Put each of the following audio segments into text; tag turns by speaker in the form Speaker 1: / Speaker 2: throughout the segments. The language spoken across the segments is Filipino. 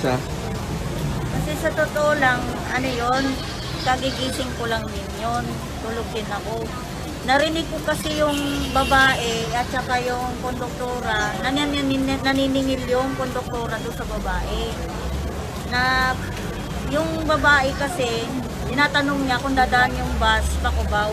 Speaker 1: isa?
Speaker 2: Kasi sa totoo lang, ano yon, kagigising ko lang din yun. Tulog din ako. Narinig ko kasi yung babae at saka yung konduktora, naniningil yung konduktora doon sa babae. Na yung babae kasi, tinatanong niya kung dadaan yung bus pa Cubao.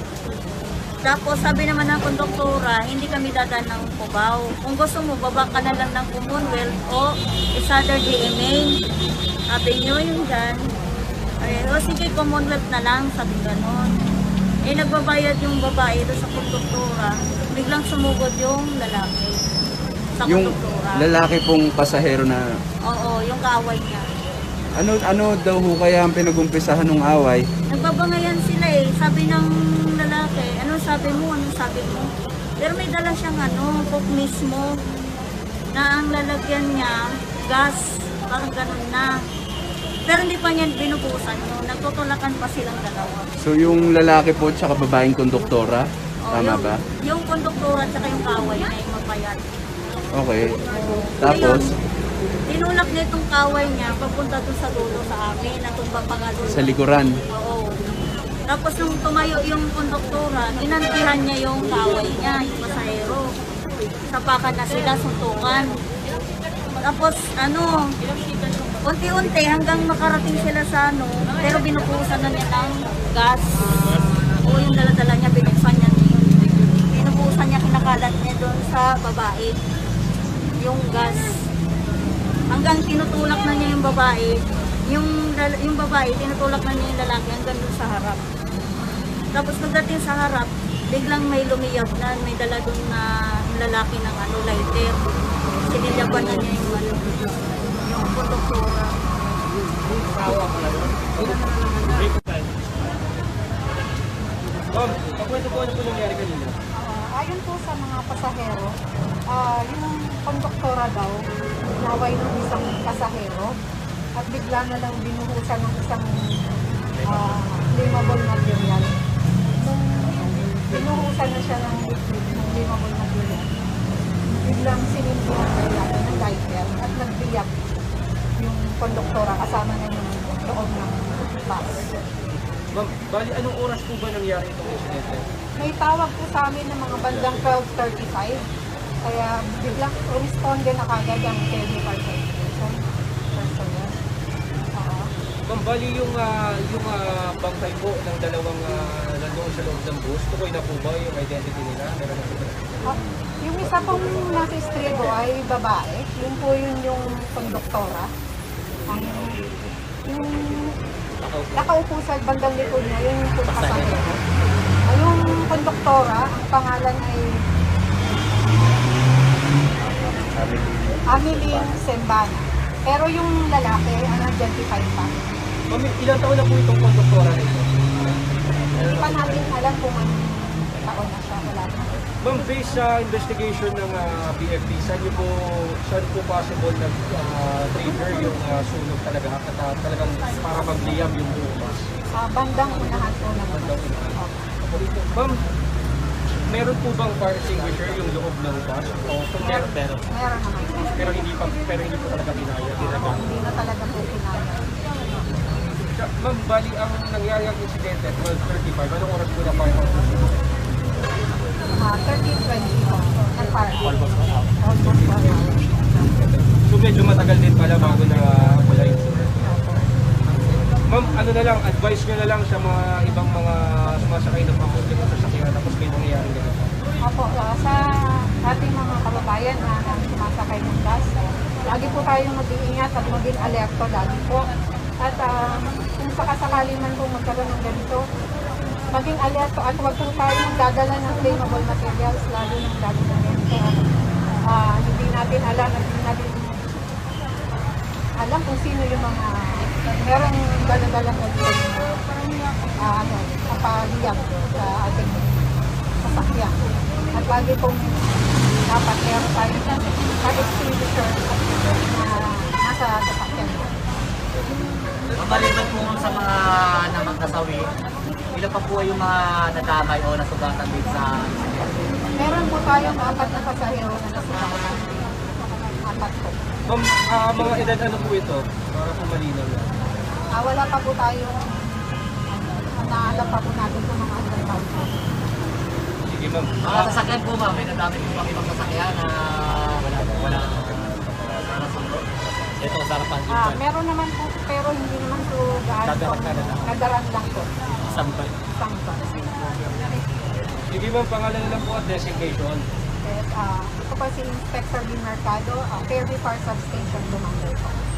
Speaker 2: Tapos sabi naman ng konduktora, hindi kami dadaan ng Cubao. Kung gusto mo, baba ka na lang ng Commonwealth o Isada GMA. Sabi niyo yung dyan. Ay, o sige, Commonwealth na lang, sabi ganon. Eh, nagbabayad yung babae doon sa konduktora. Biglang sumugod yung lalaki sa
Speaker 1: Yung
Speaker 2: konduktora.
Speaker 1: lalaki pong pasahero na
Speaker 2: Oo, yung kaaway niya.
Speaker 1: ano daw ho kaya ang pinag-umpisahan ng away?
Speaker 2: Nagbabangayan sila eh. Sabi ng lalaki, ano sabi mo, ano sabi mo. Pero may dala siyang coke mismo na ang lalagyan niya, gas, parang ganun na. Pero hindi pa niyan binubusan yun. Nagtutulakan pa silang dalawa.
Speaker 1: So yung lalaki po tsaka babaeng konduktora, tama
Speaker 2: yung,
Speaker 1: ba?
Speaker 2: Yung konduktora at saka yung kaway na yung mapayat.
Speaker 1: Okay. Tapos,
Speaker 2: Tinulak niya itong kaway niya papunta doon sa dulo sa amin. Natumba pa nga doon.
Speaker 1: sa likuran.
Speaker 2: Oo. Tapos nung tumayo yung konduktora, inantihan niya yung kaway niya, yung pasahero. Sapakan na sila, suntukan. Tapos unti-unti hanggang makarating sila sa pero binukusan na niya ng gas. O yung dala-dala niya, binuksan niya. Binukusan niya, kinakalat niya doon sa babae. Yung gas. Hanggang tinutulak na niya yung babae. Yung babae, tinutulak na niya yung lalaki hanggang doon sa harap. Tapos pagdating sa harap, biglang may lumiyab na, may dala doon na lalaki ng lighter. Sinilaban na niya yung konduktora.
Speaker 3: Pagkwento po ano po nangyari kanina?
Speaker 4: Ayon po sa mga pasahero, yung konduktora daw, naway ng isang pasahero at bigla na lang binuhusan ng isang flammable material. Nung binuhusan na siya ng liquid, ng flammable material, biglang sinindihan ng lighter at nagbiyak yung konduktora kasama na yung loob ng bus.
Speaker 3: Ma'am, bali anong oras po ba nangyari itong insidente?
Speaker 4: May tawag po sa amin ng mga bandang 12:35. Kaya biglang responde na kagad ang technical personnel.
Speaker 3: Ma'am, bali yung bangkay po ng dalawang nandoon sa loob ng bus, tukoy na po ba yung identity nila? Meron na po ba?
Speaker 4: Yung isa pong nasa estribo ay babae. Yun po yung konduktora. Yung nakaupo sa bandang likod niya, yun yung pasahero. Yung konduktora, ang pangalan ay Ameline Sembana. Pero yung lalaki, unidentified pa.
Speaker 3: Ma'am, ilang taon na po itong konduktora nito?
Speaker 4: Hindi pa natin alam kung anong taon na siya. Wala na.
Speaker 3: Ma'am, based sa investigation ng BFP, saan po possible na trigger yung sunog talaga at talagang para magliyab yung buong bus?
Speaker 4: Bandang unahan po naman.
Speaker 3: Ma'am, meron po bang fire extinguisher yung loob ng bus? O kung meron,
Speaker 4: Meron naman.
Speaker 3: pero hindi po talaga pinaya.
Speaker 4: Hindi na talaga po pinaya.
Speaker 3: Ma'am, bali ang nangyari ang insidente at 12:35, anong oras po na fire out?
Speaker 4: 13:20 po. Nag-fire. Almost 1 hour.
Speaker 3: So medyo matagal din pala bago na wala yung incident. Ma'am, ano na lang, advice nyo na lang sa mga ibang mga sumasakay ng public sa sasakyan tapos may nangyayari ganito.
Speaker 4: Opo, sa ating mga kababayan na sumasakay ng bus, lagi po tayong mag-iingat at maging alerto lagi po. At kung sakasakali man po magkaroon ng ganito, maging alerto at huwag po tayong dadala ng flammable materials, lalo ng lalo ng ganito. Hindi natin alam kung sino yung mga merong dala-dalang kapaliyag sa ating sasakyan. At lagi pong dapat meron tayo fire extinguisher na nasa sasakyan.
Speaker 5: Mabaliban po sa mga namagkasawi, ilan pa po yung mga nadamay o nasugatan din sa insidente?
Speaker 4: Meron po tayong 4 na pasahero na nasugatan. 4 po.
Speaker 3: Ma'am, mga edad ano po ito? Para po malinaw lang.
Speaker 4: Wala pa po tayong naalam pa po natin kung mga andang tao po.
Speaker 3: Sige ma'am.
Speaker 5: Mga sasakyan po ma'am, may nadami po bang ibang sasakyan na wala. Ito, sarapan din po.
Speaker 4: Meron naman po, pero hindi naman po gaano po. Nadaran lang po.
Speaker 5: Sampay.
Speaker 4: Isang pa.
Speaker 3: Sige ma'am, pangalan lang po at designation.
Speaker 4: Ito po si Inspector Din Mercado, Fairview Fire Substation, Lumangay po.